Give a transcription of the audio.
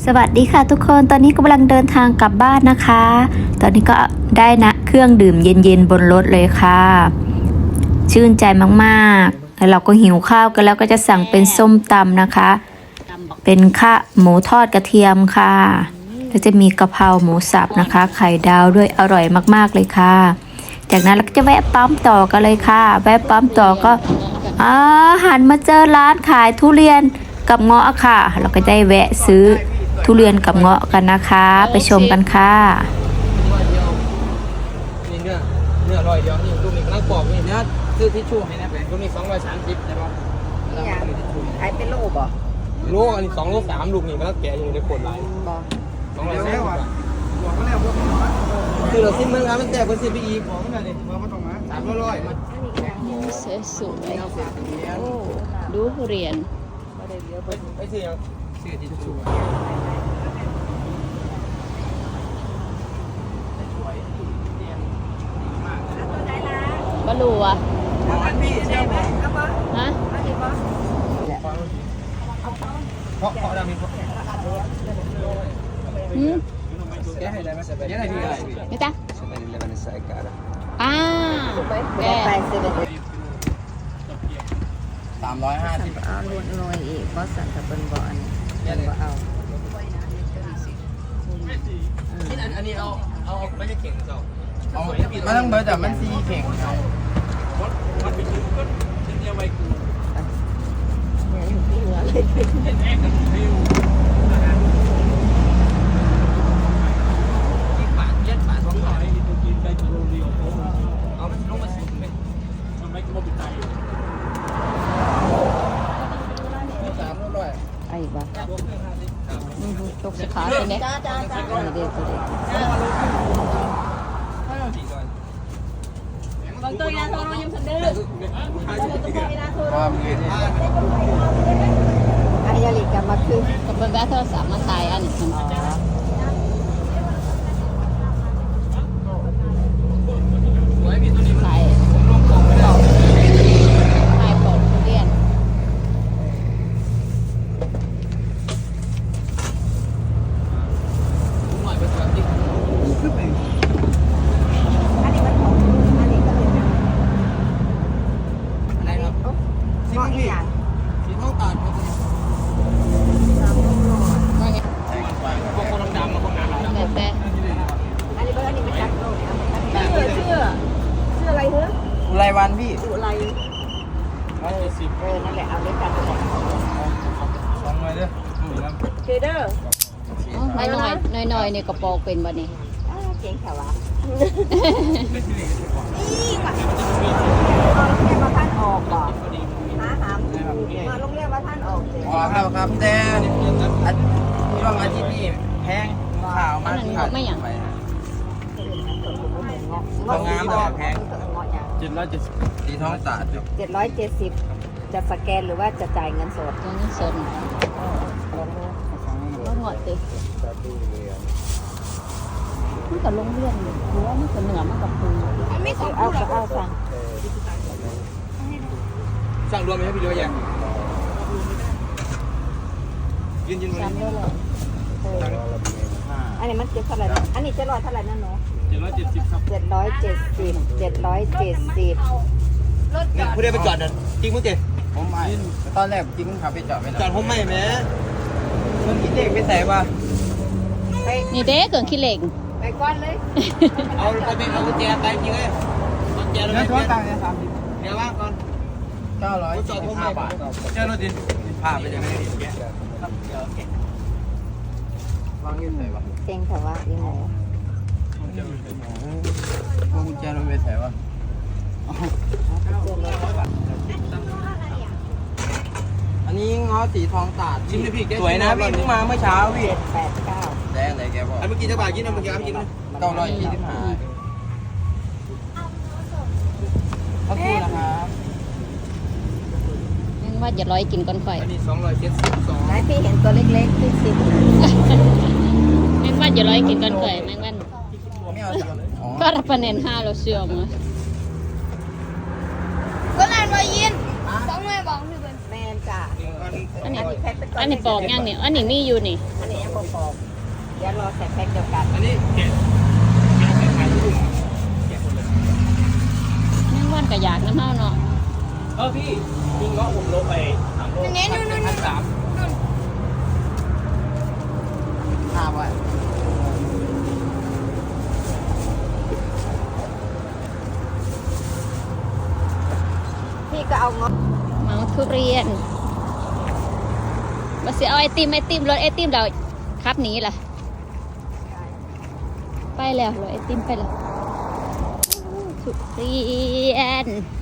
วัสดีค่ะทุกคนตอนนี้กำลังเดินทางกลับบ้านนะคะตอนนี้ก็ได้นะเครื่องดื่มเย็นๆบนรถเลยค่ะชื่นใจมากๆแล้วเราก็หิวข้าวกันแล้วก็จะสั่งเป็นส้มตำนะคะเป็นข้าวหมูทอดกระเทียมค่ะแล้วจะมีกะเพราหมูสับนะคะไข่ดาวด้วยอร่อยมากๆเลยค่ะจากนั้นเราก็จะแวะปั๊มต่อกันเลยค่ะแวะปั๊มต่อก็หันมาเจอร้านขายทุเรียนกับเงาะค่ะเราก็ได้แวะซื้อทุเรียนกับเงาะกันนะคะไปชมกันค่ะนี่เนื้ออร่อยเดียวนี่ลูกนี่กำลังปอกนี่เนื้อซื้อทิชชู่ให้นะแฟนลูกนี่230ได้ป่ะนี่ยังขายเป็นโลบ่โลอันนี้2 โล 3ลูกนี่กำลังแกะอยู่ในขวดลายบ่ 230บาทคือเราซิมเมืองครับมันแตกเป็น10ปีอีกของมันนี่มาตรงนั้น300มันสวยโอ้ดูทุเรียนไปซื้อทิชชู่บลูอ่ะฮะเพราะดังมีแกให้ได้ไหมแกให้พี่อะไรไม่จ้ะแก 350 เอาลวนหน่อยอีกเพราะสั่งกับเปิ้นบ่อันนี้บ่เอาอันนี้เอาไม่ใช่เข่งเจ้าเอามาทั้งเบอร์แต่มันซีเข่งเอาวัดไปยืมก็ชิ้นเดียวไว้กูไอ้บ่ตกสขาเป็นไงเด็กบางตัวยาโทรยังทันเด้ออันนี้ยาลิกับมาคือกับเบอร์แบทโทรศัพท์มาถ่ายอันนี้ถ่ายปอกทุเรียนรายวันพี่สุไรนั่นแหละเอาด้วยกัน 2หน่อยเด้อเจเดอร์น้อยในกระโปรงเป็นบ่นี่เก่งแถวะนี่ก่อนโรงเรียนมาท่านออกบ่หามมาโรงเรียนมาท่านออกอ๋อครับแต่ช่วงอาทิตย์นี้แพงข่าวมาที่ไม่อย่างงามแต่แพง770สีท้องตาดอยู่ 770จะสแกนหรือว่าจะจ่ายเงินสดเงินสดก็หงอดติมันกับโรงเรียนหรือว่ามันกับเหนือมันกับปูไม่ต้องเอาสั่งรวมไหมครับพี่เดียวยังยืนซ้ำด้วยเลยอันนี้มันเจ็ดเท่าไหร่อันนี้700เท่าไหร่นั่นเนาะ 770ครับ 770 ผู้ใดไปจอดนั่นจริงมั้งเจ๊ผมไม่ตอนแรกจริงขับไปจอดจอดผมไม่แม้คนคิดเด็กไปใส่ป่ะนี่เด้เกินขี้เหล็กไปก้อนเลยเอากุญแจไปจริงเลยกุญแจเราไม่เปลี่ยนเดี๋ยวว่างก่อน915 บาทเจ้ารถดินพาไปยังไงวางยืนไหนวะเก่งแต่ว่ายังไงกุญแจเราไปใส่วะอันนี้ง้อสีทองตาดสวยนะพี่เพิ่งมาเมื่อเช้าพี่ 789 แดงไหนแกบอกเมื่อกี้จะบาทกินนะเมื่อกี้กินนะ925ขอบคุณนะครับยังว่าจะกินก้อนไฟอันนี้272 ไหนพี่เห็นตัวเล็กๆที่แมงวันจะกินก้อนไฟแมงวันไม่เอาก็รับประเด็น5เราเชื่อมั้ยก็นานมายิน2 แม่บอกพี่เบิ้ลแม่จ้ะอันนี้แพ็คเป็นอันนี้ปอกยังเนี่ยอันนี้มีอยู่นี่อันนี้ยังบ่ปอกเดี๋ยวรอใส่แพ็คเดียวกันอันนี้แกะขายที่ดูแกะหมดเลยนั่งวันกะอยากน้ำเฮาเนาะพี่มีเงาะผมลงไป3 โลพันสามห้าไว้พี่ก็เอาเงาะเมาทุเรียนมาสิเอาไอติมรถไอติมเราครับหนี้ล่ะไปแล้วรถไอติมไปแล้วทุเรียน